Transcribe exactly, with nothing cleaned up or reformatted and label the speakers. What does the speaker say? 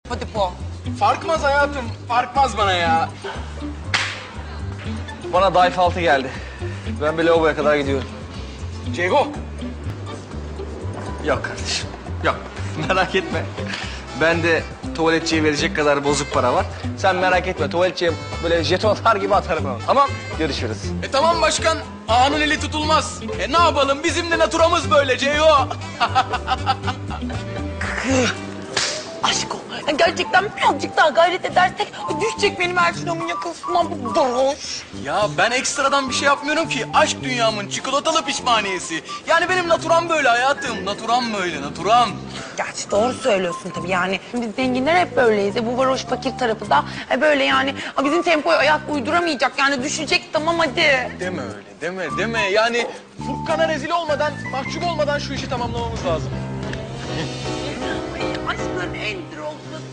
Speaker 1: Hadi po.
Speaker 2: Farkmaz hayatım, farkmaz bana ya.
Speaker 3: Bana dayf altı geldi. Ben bir lavaboya kadar gidiyorum.
Speaker 2: Ceygo.
Speaker 3: Yok kardeşim, yok. Merak etme. Ben de tuvaletçiye verecek kadar bozuk para var. Sen merak etme, tuvaletçiye böyle jeton atar gibi atarım onu. Tamam, görüşürüz.
Speaker 2: E tamam başkan, ağanın eli tutulmaz. E ne yapalım, bizim de naturamız böyle Ceygo.
Speaker 1: Aşk ol. Yani gerçekten birazcık daha gayret edersek düşecek benim Ersun'umun yakasından bu varoş.
Speaker 2: Ya ben ekstradan bir şey yapmıyorum ki. Aşk dünyamın çikolatalı pişmaniyesi. Yani benim naturam böyle hayatım. Naturam böyle, naturam.
Speaker 1: Gerçi doğru söylüyorsun tabii yani. Biz zenginler hep böyleyiz. E, bu varoş fakir tarafı da e, böyle yani. Ha, bizim tempoya ayak uyduramayacak yani düşecek tamam hadi.
Speaker 2: Deme öyle, deme, deme. Yani Furkan'a rezil olmadan, mahcup olmadan şu işi tamamlamamız lazım.
Speaker 1: Ay, aşkın en drogsuz